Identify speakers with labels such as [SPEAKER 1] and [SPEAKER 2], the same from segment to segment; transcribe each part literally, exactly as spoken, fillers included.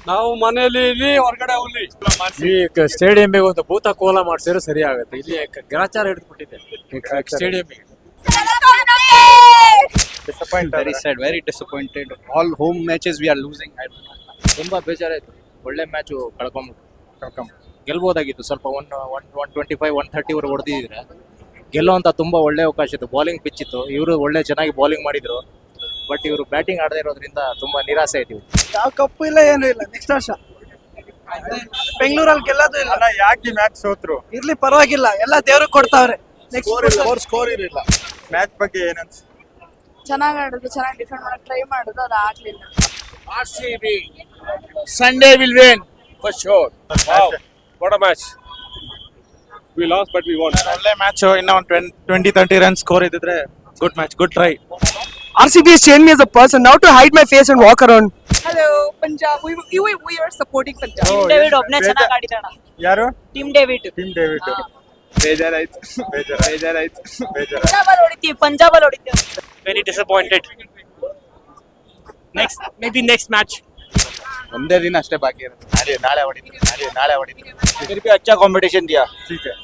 [SPEAKER 1] ನಾವು ಮನೆಯಲ್ಲಿ ಇಲ್ಲಿ ಹೊರಗಡೆ ಹುಲಿ
[SPEAKER 2] ಈ ಸ್ಟೇಡಿಯಂಗೆ ಒಂದು ಭೂತ ಕೋಲ ಮಾಡಿಸಿದ್ರೆ ಸರಿ ಆಗುತ್ತೆ. ಇಲ್ಲಿ ಗ್ರಾಚಾರ ಹಿಡಿದ್ಬಿಟ್ಟಿದೆ ಸ್ಟೇಡಿಯಂಗೆ.
[SPEAKER 3] Disappointed. Very sad, very disappointed. All home matches we are losing.
[SPEAKER 2] ತುಂಬಾ ಬೇಜಾರಾಯ್ತು. ಒಳ್ಳೆ ಮ್ಯಾಚ್ ಕಳ್ಕೊಂಡ್ಬಿಟ್ಟು ಕಳ್ಕೊಂಡ್ ಗೆಲ್ಬೋದಾಗಿತ್ತು. ಸ್ವಲ್ಪ one one one twenty five one thirty ವರೆಗೆ ಹೊಡೆದಿದ್ರೆ ಗೆಲ್ಲುವಂತ ತುಂಬಾ ಒಳ್ಳೆ ಅವಕಾಶ ಇತ್ತು. ಬೌಲಿಂಗ್ ಪಿಚ್ ಇತ್ತು, ಇವರು ಒಳ್ಳೆ ಚೆನ್ನಾಗಿ ಬೌಲಿಂಗ್ ಮಾಡಿದ್ರು. ಬಟ್ ಇವರು ಬ್ಯಾಟಿಂಗ್ ಆಡದೇ ಇರೋದ್ರಿಂದ ತುಂಬಾ ನಿರಾಸೆ ಆಯ್ತು.
[SPEAKER 4] ಯಾವ ಕಪ್ಪು ಇಲ್ಲ, ಏನು ಇಲ್ಲ. ನೆಕ್ಸ್ಟ್ ವರ್ಷ ಬೆಂಗಳೂರಲ್ಲಿ ಗೆಲ್ಲೋದು ಇಲ್ಲ.
[SPEAKER 5] ಯಾಕೆ ಮ್ಯಾಚ್ ಸೋತ್ರು?
[SPEAKER 4] ಇರ್ಲಿ ಪರವಾಗಿಲ್ಲ, ಎಲ್ಲ ದೇವ್ರಿಗೆ ಕೊಡ್ತಾವ್ರೆ.
[SPEAKER 5] ನೆಕ್ಸ್ಟ್ ಸ್ಕೋರ್ ಇರಲಿಲ್ಲ. ಮ್ಯಾಚ್ ಬಗ್ಗೆ ಏನನ್ಸ್?
[SPEAKER 6] ಚೆನ್ನಾಗಿ ಆಡಿದ್ರು, ಚೆನ್ನಾಗಿ ಡಿಫೆಂಡ್ ಮಾಡಕ್ ಟ್ರೈ ಮಾಡಿದ್ರು, ಅದು ಆಗ್ಲಿಲ್ಲ.
[SPEAKER 2] R C B Sunday will win for sure.
[SPEAKER 1] Wow, what a match. We lost but we won.
[SPEAKER 5] ಒಳ್ಳೆ ಮ್ಯಾಚ್. ಇನ್ನ ಒಂದು ಟ್ವೆಂಟಿ ತರ್ಟಿ ರನ್ ಸ್ಕೋರ್ ಇದ್ದಿದ್ರೆ good match, good try.
[SPEAKER 4] R C B has changed me as a person now to hide my face and walk around.
[SPEAKER 6] Hello, Punjab. We, we, we are supporting Punjab.
[SPEAKER 5] Oh,
[SPEAKER 6] Team David
[SPEAKER 5] yes.
[SPEAKER 6] ಒಬ್ನೇ
[SPEAKER 5] ಬೇಜಾರ್-
[SPEAKER 6] ಚೆನ್ನಾಗಿ ಆಡಿದಾನ.
[SPEAKER 5] ಯಾರು?
[SPEAKER 6] Team David.
[SPEAKER 5] Team David. ಬೇಜಾರಾಯ್ತು, ಬೇಜಾರ ಬೇಜಾರಾಯ್ತು, ಬೇಜಾರ.
[SPEAKER 6] ಪಂಜಾಬ್ ಅಲ್ಲಿ ಹೊಡಿತೀವಿ, ಪಂಜಾಬ್ ಅಲ್ಲಿ ಹೊಡಿತೀವಿ.
[SPEAKER 2] Very disappointed. Next, maybe next match.
[SPEAKER 3] ಒಂದೇ ದಿನ ಅಷ್ಟೇ ಬಾಕಿ ಇರುತ್ತೆ. ನಾಳೆ ನಾಳೆ ಹೊಡಿತೀವಿ, ನಾಳೆ ನಾಳೆ ಹೊಡಿತೀವಿ.
[SPEAKER 2] फिर भी अच्छा कंपटीशन दिया.
[SPEAKER 5] ठीक है.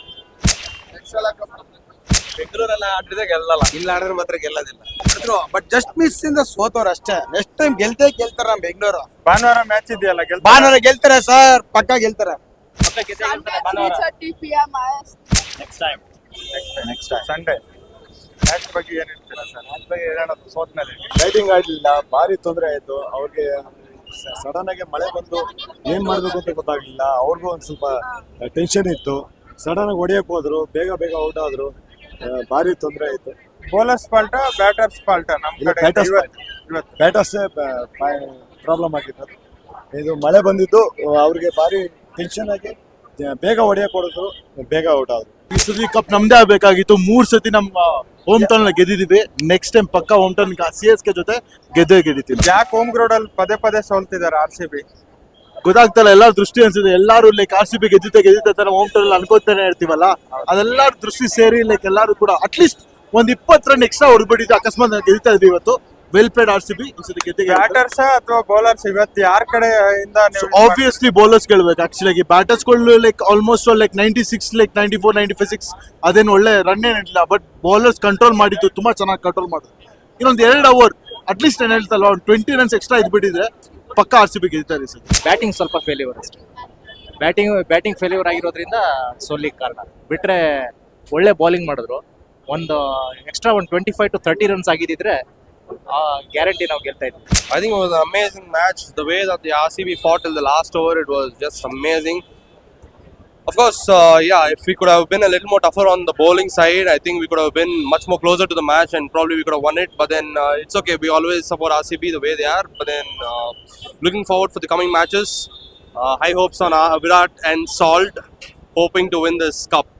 [SPEAKER 3] ಬೆಂಗಳೂರೆಲ್ಲ ಆಡಿದ್ರೆ ಗೆಲ್ಲಲ್ಲ, ಇಲ್ಲ ಆಡಿದ್ರೆ ಮಾತ್ರ ಗೆಲ್ಲೋದಿಲ್ಲ. ಬಟ್ ಜಸ್ಟ್ ಮಿಸ್ ಇಂದ ಸೋತವ್ರು ಅಷ್ಟೇ. ನೆಕ್ಸ್ಟ್ ಟೈಮ್ ಗೆಲ್ತೇ ಗೆಲ್ತಾರ ನಮ್ಮ ಬೆಂಗಳೂರು.
[SPEAKER 5] ಭಾನುವಾರ ಮ್ಯಾಚ್ ಇದೆಯಲ್ಲ, ಗೆಲ್ತಾರೆ.
[SPEAKER 3] ಭಾನುವಾರ ಗೆಲ್ತಾರೆ ಸರ್, ಪಕ್ಕ ಗೆಲ್ತಾರೆ.
[SPEAKER 6] three thirty p m
[SPEAKER 2] Next time.
[SPEAKER 5] Next Sunday match ಬಗ್ಗೆ ಏನ್ ಹೇಳ್ತೀರಾ ಸರ್? ಮ್ಯಾಚ್ ಬಗ್ಗೆ ಹೇಳೋಣ. ಸೋತ್ ಮೇಲೆ
[SPEAKER 7] ಲೈಟಿಂಗ್ ಆಡ್ಲಿಲ್ಲ, ಭಾರಿ ತೊಂದರೆ ಆಯ್ತು ಅವ್ರಿಗೆ. ಸಡನ್ ಆಗಿ ಮಳೆ ಬಂದು ಏನ್ ಮಾಡ್ಬೇಕು ಅಂತ ಗೊತ್ತಾಗ್ಲಿಲ್ಲ. ಅವ್ರಿಗೂ ಒಂದ್ ಸ್ವಲ್ಪ ಟೆನ್ಷನ್ ಇತ್ತು. ಸಡನ್ ಆಗಿ ಹೊಡಿಯಕ್ ಹೋದ್ರು, ಬೇಗ ಬೇಗ ಔಟ್ ಆದ್ರು. ಆ, ಭಾರಿ ತೊಂದರೆ ಆಯ್ತು.
[SPEAKER 5] ಬೌಲರ್ಸ್ ಫಾಲ್ಟಾ ಬ್ಯಾಟರ್ಸ್ ಫಾಲ್ಟಾ? ನಮ್
[SPEAKER 7] ಇಲ್ಲ,
[SPEAKER 5] ಕಡೆ
[SPEAKER 7] batters
[SPEAKER 5] ಇವತ್ತು ಇವತ್ತು
[SPEAKER 7] ಬ್ಯಾಟರ್ಸ್ ಪ್ರಾಬ್ಲಮ್ ಆಗಿತ್ತು. ಇದು ಮಳೆ ಬಂದಿದ್ದು ಅವ್ರಿಗೆ ಭಾರಿ ಟೆನ್ಷನ್ ಆಗಿ ಬೇಗ ಹೊಡಿಯಕ್ ಹೊಡೆದ್ರು, ಬೇಗ ಔಟ್ ಆದ್ರು.
[SPEAKER 8] ಈ ಸತಿ ಕಪ್ ನಮ್ದೇ ಆಗ್ಬೇಕಾಗಿತ್ತು. ಮೂರ್ ಸತಿ ನಮ್ಮ ಹೋಮ್ ಟೌನ್ ಗೆದ್ದಿದೀವಿ. ನೆಕ್ಸ್ಟ್ ಟೈಮ್ ಪಕ್ಕ home town C S K ಜೊತೆ ಗೆದ್ದೇ ಗೆದ್ದಿತೀವಿ.
[SPEAKER 5] ಯಾಕೆ ಹೋಮ್ ಗ್ರೌಂಡ್ ಅಲ್ಲಿ ಪದೇ ಪದೇ ಸೋಲ್ತಿದ್ದಾರೆ ಆರ್ ಸಿ ಬಿ?
[SPEAKER 8] ಗೊತ್ತಾಗ್ತಲ್ಲ, ಎಲ್ಲಾರು ದೃಷ್ಟಿ ಅನ್ಸಿದೆ. ಎಲ್ಲಾರು ಲೈಕ್ ಆರ್ ಸಿ ಬಿ ಗೆದ್ದಿದ್ದೆ ಗೆದ್ದಿದ್ದೆ ತರ ಹೋಮ್ ಟೌನ್ ಅನ್ಕೋತಾನೆ ಇರ್ತೀವಲ್ಲ, ಅದೆಲ್ಲಾರು ದೃಷ್ಟಿ ಸೇರಿ ಲೈಕ್ ಎಲ್ಲಾರು ಕೂಡ ಅಟ್ಲೀಸ್ಟ್ ಒಂದ್ ಇಪ್ಪತ್ತು ರನ್ ಎಕ್ಸ್ಟ್ರಾ ಹೊಡ್ಬಿಟ್ಟಿದ್ದು ಅಕಸ್ಮಾತ್ ಗೆದ್ದಿತಾ ಇದ್ವಿ ಇವತ್ತು. Well played R C B. ಈ ಸತಿ ಗೆದ್ದೆ
[SPEAKER 5] ಬ್ಯಾಟರ್ಸ್ ಅಥವಾ ಬೌಲರ್ಸ್ ಇವತ್ತು ಯಾರ ಕಡೆಯಿಂದ?
[SPEAKER 8] ಆಬ್ವಿಯಸ್ಲಿ ಬೌಲರ್ಸ್ ಗೆಲ್ಬೇಕು. ಆಕ್ಚುಲಿ ಬ್ಯಾಟರ್ಸ್ ಗಳು like almost like ninety six like ninety four ninety five six ಅದೇನು ಒಳ್ಳೆ ರನ್ ಏನಿಲ್ಲ. ಬಟ್ ಬೌಲರ್ಸ್ ಕಂಟ್ರೋಲ್ ಮಾಡಿದ್ದು, ತುಂಬಾ ಚೆನ್ನಾಗಿ ಕಂಟ್ರೋಲ್ ಮಾಡಿದ್ರು. ಇನ್ನೊಂದು ಎರಡು ಅವರ್ ಅಟ್ಲೀಸ್ಟ್ ಏನ್ ಹೇಳ್ತಲ್ಲ, ಒಂದು ಟ್ವೆಂಟಿ ರನ್ಸ್ ಎಕ್ಸ್ಟ್ರಾ ಇದ್ಬಿಟ್ಟಿದ್ರೆ ಪಕ್ಕ ಆರ್ ಸಿ ಬಿ ಗೆಲ್ತಾರೆ ಸರ್.
[SPEAKER 2] ಬ್ಯಾಟಿಂಗ್ ಸ್ವಲ್ಪ ಫೇಲ್ಯೂರ್ ಅಷ್ಟೇ. ಬ್ಯಾಟಿಂಗ್ ಬ್ಯಾಟಿಂಗ್ ಫೇಲ್ಯೂರ್ ಆಗಿರೋದ್ರಿಂದ ಸೋಲಿಗೆ ಕಾರಣ. ಬಿಟ್ರೆ ಒಳ್ಳೆ ಬೌಲಿಂಗ್ ಮಾಡಿದ್ರು. ಒಂದು ಎಕ್ಸ್ಟ್ರಾ ಒಂದು twenty five to thirty runs ಆಗಿದ್ದಿದ್ರೆ ಗ್ಯಾರಂಟಿ ನಾವು ಗೆಲ್ತಾ ಇದ್ವಿ.
[SPEAKER 9] I think it was an amazing match. The way that the R C B fought till the last over, it was just amazing. Of course, uh, yeah, if we could have been a little more tougher on the bowling side, I think we could have been much more closer to the match and probably we could have won it. But then uh, it's okay. We always support R C B the way they are. But then uh, looking forward for the coming matches. Uh, high hopes on uh, Virat and Salt, hoping to win this cup.